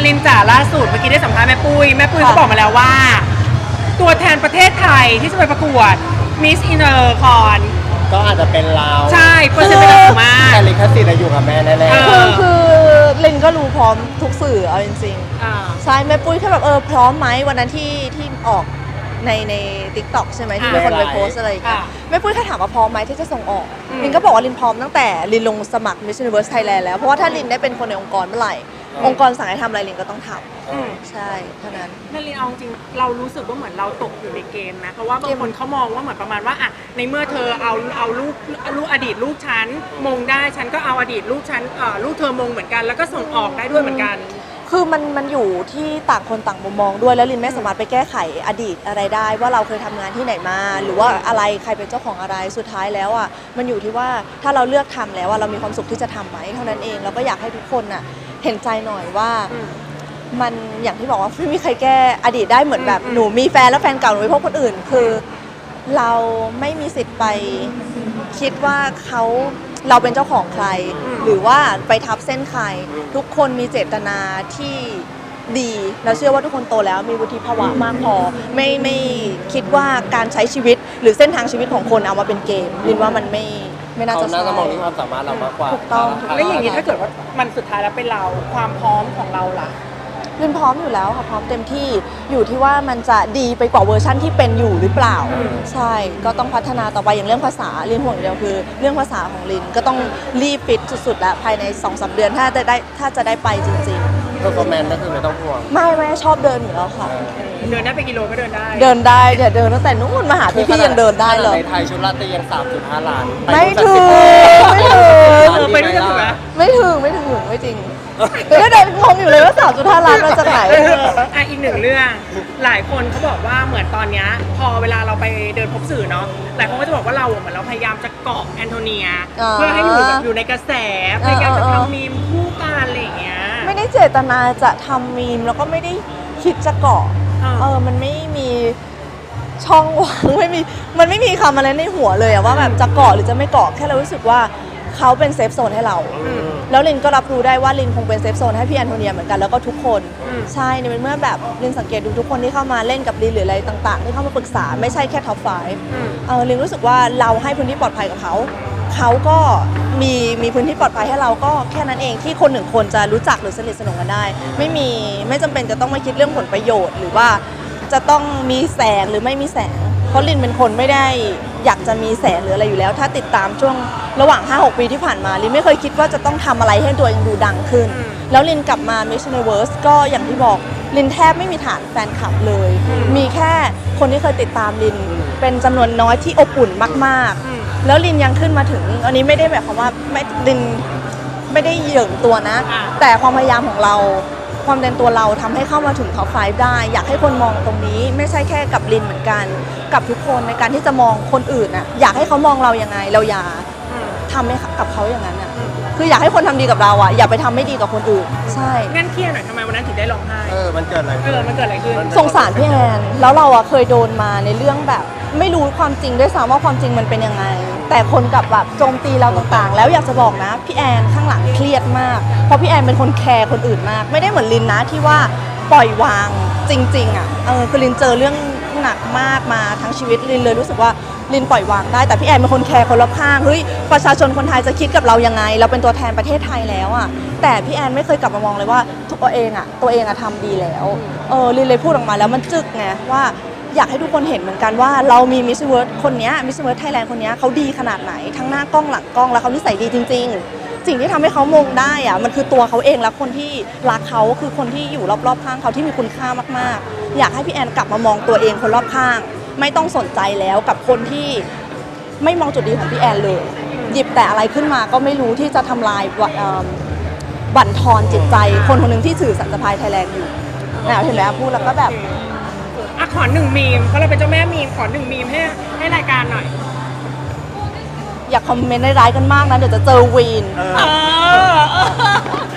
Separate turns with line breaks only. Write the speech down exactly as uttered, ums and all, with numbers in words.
ลินจ๋าล่าสุดเมื่อกี้ได้สัมภาษณ์แม่ปุ้ยแม่ปุ้ยเขาบอกมาแล้วว่า ตัวแทนประเทศไทยที่จะไปประกวด Miss Intercon
ก็อาจจะเป็นเรา
ใช่เปอร์เซ็นต์เป็นสูงมาก
แต่ลิขสิทธิ์อยู่กับแม่แน่ๆ
คือคือลินก็รู้พร้อมทุกสื่อเอาจริง
อ่า
ๆใช่แม่ปุ้ยแค่แบบเออพร้อมไหมวันนั้นที่ที่ออกในในทิกตอกใช่ไหมที่มีคนไปโพสอะไรอย่างเงี้ยแม่ปุ้ยแค่ถามว่าพร้อมไหมที่จะส่งออกลินก็บอกว่าลินพร้อมตั้งแต่ลินลงสมัคร Miss Universe Thailand แล้วเพราะว่าถ้าลินได้เป็นคนในองค์กรเมื่อไหร่องค์กรสั่งให้ทำอะไรลินก็ต้องทำใช่เท่านั้น
นั่นลินเอาจริงเรารู้สึกว่าเหมือนเราตกอยู่ในเกมนะเพราะว่าบางคนเขามองว่าเหมือนประมาณว่าอ่ะในเมื่อเธอเอาเอาลูกลูกอดีตลูกฉันมงได้ฉันก็เอาอดีตลูกฉันเอ่อลูกเธอมงเหมือนกันแล้วก็ส่งออกได้ด้วยเหมือนกัน
คือมันมันอยู่ที่ต่างคนต่างมุมมองด้วยแล้วลินไม่สามารถไปแก้ไขอดีตอะไรได้ว่าเราเคยทำงานที่ไหนมาหรือว่าอะไรใครเป็นเจ้าของอะไรสุดท้ายแล้วอ่ะมันอยู่ที่ว่าถ้าเราเลือกทำแล้วเรามีความสุขที่จะทำไหมเท่านั้นเองแล้วก็อยากให้ทุกคนอ่ะเห็นใจหน่อยว่ามันอย่างที่บอกว่าไม่มีใครแก้อดีตได้เหมือนแบบหนูมีแฟนแล้วแฟนเก่าหนูไปพบคนอื่นคือเราไม่มีสิทธิ์ไปคิดว่าเขาเราเป็นเจ้าของใครหรือว่าไปทับเส้นใครทุกคนมีเจตนาที่ดีเราเชื่อว่าทุกคนโตแล้วมีวุฒิภาวะมากพอไม่ไม่คิดว่าการใช้ชีวิตหรือเส้นทางชีวิตของคนเอามาเป็นเกมลินว่ามันไม่ไม่น่าจะใช่
เขาน่าจะมองที่ความสามารถเรามากกว่า
ถูกต้อง
แล้วอย่างนี้ถ้าเกิดว่ามันสุดท้ายแล้วเป็นเราความพร้อมของเราล่ะ
ลินพร้อมอยู่แล้วค่ะพร้อมเต็มที่อยู่ที่ว่ามันจะดีไปกว่าเวอร์ชั่นที่เป็นอยู่หรือเปล่าใช่ก็ต้องพัฒนาต่อไปอย่างเรื่องภาษาลินห่วงเดียวคือเรื่องภาษาของลินก็ต้องรีบฟิตสุดๆแล้วภายใน สองสาม เดือนถ้าจะได้ถ้าจะได้ไปจริง
ๆเพอร์ฟอร์แมนซ์ก็คือไม่ต้องห่วง
ไม่ไม่ชอบเดินอยู่แล้วค่ะ
เดินได้ไปกิโลก็เดินได้
เดินได้เดี๋ยวเดินตั้งแต่นู้นมาหาพี่พี่ยังเดินได้เลย
ในไทยชุดลาตรียัง สามจุดห้า ล้าน
ไม่ถึงไม่ถึง
ไปด้วยกันถูกไหม
ไม่ถึงไม่ถึงไม่จริงก็เดินงงอยู่เลยว่าสามจุดห้าล้านมาจากไหน
อ่ะอีกหนึ่งเรื่องหลายคนเขาบอกว่าเหมือนตอนนี้พอเวลาเราไปเดินพบสื่อเนาะหลายคนก็จะบอกว่าเราเหมือนเราพยายามจะเกาะแอนโทเนียเพื่อให้อยู่แบบอยู่ในกระแสพยายามจะทำมีมคู่กันอะไรอย่างเงี้ย
ไม่ได้เจตนาจะทำมีมแล้วก็ไม่ได้คิดจะเกาะเออมันไม่มีช่องว่างไม่มีมันไม่มีคำอะไรในหัวเลยอะว่าแบบจะเกาะหรือจะไม่เกาะแค่เรารู้สึกว่าเขาเป็นเซฟโซนให้เราแล้วลินก็รับรู้ได้ว่าลินคงเป็นเซฟโซนให้พี่แอนโทเนียเหมือนกันแล้วก็ทุกคนใช่ในเมื่อแบบลินสังเกตดูทุกคนที่เข้ามาเล่นกับลินหรืออะไรต่างๆที่เข้ามาปรึกษาไม่ใช่แค่ท็อปไฟว์เออลินรู้สึกว่าเราให้พื้นที่ปลอดภัยกับเขาเขาก็มีมีพื้นที่ปลอดภัยให้เราก็แค่นั้นเองที่คนหนึ่งคนจะรู้จักหรือสนิทสนมกันได้ไม่มีไม่จำเป็นจะต้องมาคิดเรื่องผลประโยชน์หรือว่าจะต้องมีแสงหรือไม่มีแสงเพราะลินเป็นคนไม่ได้อยากจะมีแสงหรืออะไรอยู่แล้วถ้าติดตามช่วงระหว่าง ห้าหก ปีที่ผ่านมาลินไม่เคยคิดว่าจะต้องทำอะไรให้ตัวเองดูดังขึ้นแล้วลินกลับมา Miss Universe ก็อย่างที่บอกลินแทบไม่มีฐานแฟนคลับเลยมีแค่คนที่เคยติดตามลินเป็นจำนวนน้อยที่อบอุ่นมากๆแล้วลินยังขึ้นมาถึงอันนี้ไม่ได้แบบความว่าไม่ลินไม่ได้เหยิงตัวนะแต่ความพยายามของเราความเป็นตัวเราทำให้เข้ามาถึงท็อปไฟว์ได้อยากให้คนมองตรงนี้ไม่ใช่แค่กับลินเหมือนกันกับทุกคนในการที่จะมองคนอื่นน่ะอยากให้เขามองเรายังไงเราอย่าทำให้กับเขาอย่างนั้นน่ะคืออยากให้คนทำดีกับเราอ่ะอย่าไปทำไม่ดีกับคนอื่นใช่
งั้นเครียดหน่อยทำไมวันนั้นถึงได้ร้องไห้
เออมันเกิดอะไร
เออมันเกิดอะไรขึ้น
สงสารพี่แอนแล้วเราอ่ะเคยโดนมาในเรื่องแบบไม่รู้ความจริงด้วยซ้ำว่าความจริงมันเป็นยังไงแต่คนกลับแบบโจมตีเราต่างๆแล้วอยากจะบอกนะพี่แอนข้างหลังเครียดมากเพราะพี่แอนเป็นคนแคร์คนอื่นมากไม่ได้เหมือนลินนะที่ว่าปล่อยวางจริงๆอ่ะเออคือลินเจอเรื่องหนักมากมาทั้งชีวิตลินเลยรู้สึกว่าลินปล่อยวางได้แต่พี่แอนเป็นคนแคร์คนรอบข้างเฮ้ยประชาชนคนไทยจะคิดกับเรายังไงเราเป็นตัวแทนประเทศไทยแล้วอ่ะแต่พี่แอนไม่เคยกลับมามองเลยว่าตัวเองอ่ะตัวเองอ่ะทำดีแล้วเออลินเลยพูดออกมาแล้วมันจึกไงว่าอยากให้ทุกคนเห็นเหมือนกันว่าเรามีมิสเวิร์ดคนนี้มิสเวิร์ดไทยแลนด์คนนี้เขาดีขนาดไหนทั้งหน้ากล้องหลังกล้องแล้วเขานิสัยดีจริงๆสิ่งที่ทำให้เขามงได้อะมันคือตัวเขาเองและคนที่รักเขาคือคนที่อยู่รอบๆข้างเขาที่มีคุณค่ามากๆอยากให้พี่แอนกลับมามองตัวเองคนรอบข้างไม่ต้องสนใจแล้วกับคนที่ไม่มองจุดดีของพี่แอนเลยหยิบแต่อะไรขึ้นมาก็ไม่รู้ที่จะทำลายบั่นทอนจิตใจคนคนหนึ่งที่ถือสัญชาติไทยแลนด์อยู่นะเห็นไหมพูดแล้วก็แบบ
อ่ะขอหนึ่งมีมเพราะเราเป็นเจ้าแม่มีมขอหนึ่งมีมให้ให้รายการหน่อย
อย่าคอมเมนต์ร้ายๆกันมากนะเดี๋ยวจะเจอวีน